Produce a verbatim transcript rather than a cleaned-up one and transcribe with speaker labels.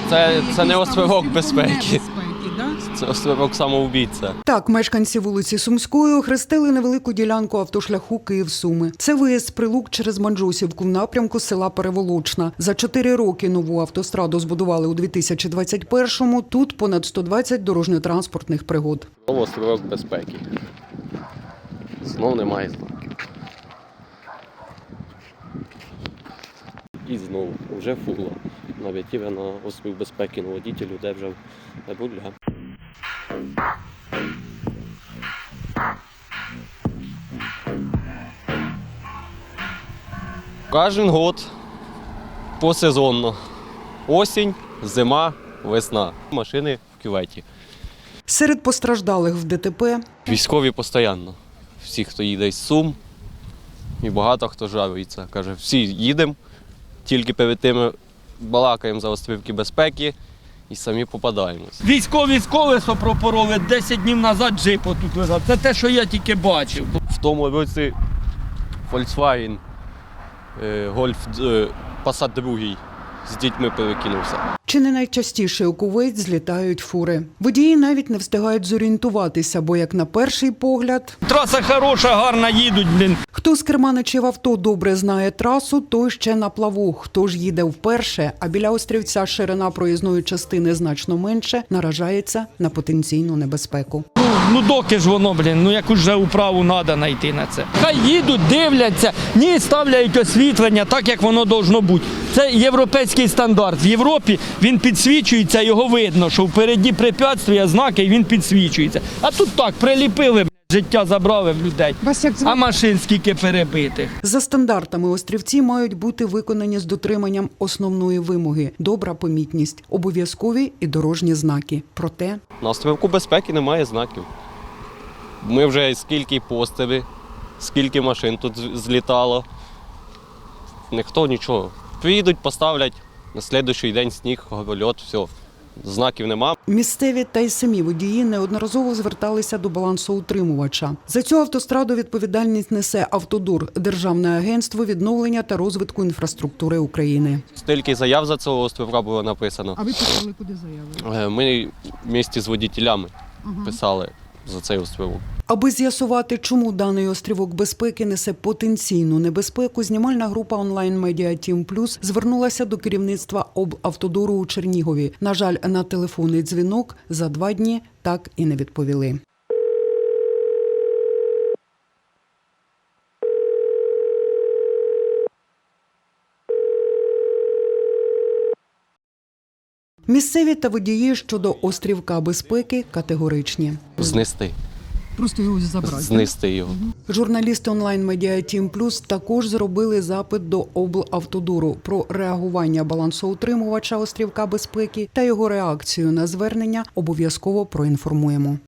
Speaker 1: Це, це не острівок безпеки. Це острівок самоубійця.
Speaker 2: Так, мешканці вулиці Сумської охрестили невелику ділянку автошляху Київ-Суми. Це виїзд з Прилук через Манджусівку в напрямку села Переволочна. За чотири роки нову автостраду збудували у дві тисячі двадцять першому. Тут понад сто двадцять дорожньо-транспортних пригод.
Speaker 1: Острівок безпеки. Знов немає знаків. І знову, вже фула. Навіть на острів безпеки, на водітелю, де вже не буде. Кожен год посезонно. Осінь, зима, весна. Машини в кюветі.
Speaker 2: Серед постраждалих в ДТП
Speaker 1: Військові постійно. Всі, хто їде з Сум, і багато хто жалується. Каже, всі їдемо, тільки перед тим балакаємо за острівки безпеки і самі попадаємось.
Speaker 3: Військові з колесо пропороли, десять днів назад джип отут лежав. Це те, що я тільки бачив.
Speaker 1: В тому році Volkswagen Golf Passat другий з дітьми перекинувся.
Speaker 2: чи не найчастіше у Кувейт злітають фури. Водії навіть не встигають зорієнтуватися, бо як на перший погляд...
Speaker 3: Траса хороша, гарна, їдуть, блін.
Speaker 2: Хто з керманичів авто добре знає трасу, той ще на плаву. Хто ж їде вперше, а біля острівця ширина проїзної частини значно менше, наражається на потенційну небезпеку.
Speaker 3: Ну доки ж воно, блін, ну якусь же управу треба знайти на це. Хай їдуть, дивляться, ні, ставляють освітлення так, як воно должно бути. Це європейський стандарт. В Європі він підсвічується, його видно, що впереді препятствия, знаки, і він підсвічується. А тут так, приліпили, життя забрали в людей. А машин скільки перебитих.
Speaker 2: За стандартами острівці мають бути виконані з дотриманням основної вимоги – добра помітність, обов'язкові і дорожні знаки. Проте...
Speaker 1: На острівку безпеки немає знаків. Ми вже скільки постери, скільки машин тут злітало. Ніхто нічого. Приїдуть, поставлять, на слідуючий день сніг, гольот, все. Знаків нема.
Speaker 2: Місцеві та й самі водії неодноразово зверталися до балансоутримувача. За цю автостраду відповідальність несе «Автодор» – Державне агентство відновлення та розвитку інфраструктури України.
Speaker 1: Стільки заяв за цього острівка було написано.
Speaker 4: А ви писали куди заяви?
Speaker 1: Ми вместе з водітелями писали за цей острівок.
Speaker 2: Аби з'ясувати, чому даний острівок безпеки несе потенційну небезпеку, знімальна група онлайн-медіа Тім Плюс звернулася до керівництва облавтодору у Чернігові. На жаль, на телефонний дзвінок за два дні так і не відповіли. Місцеві та водії щодо острівка безпеки категоричні.
Speaker 1: Знести.
Speaker 4: Просто його забрати.
Speaker 1: Знести його.
Speaker 2: Журналісти онлайн-медіа Тім Плюс також зробили запит до облавтодору про реагування балансоутримувача острівка безпеки та його реакцію на звернення обов'язково проінформуємо.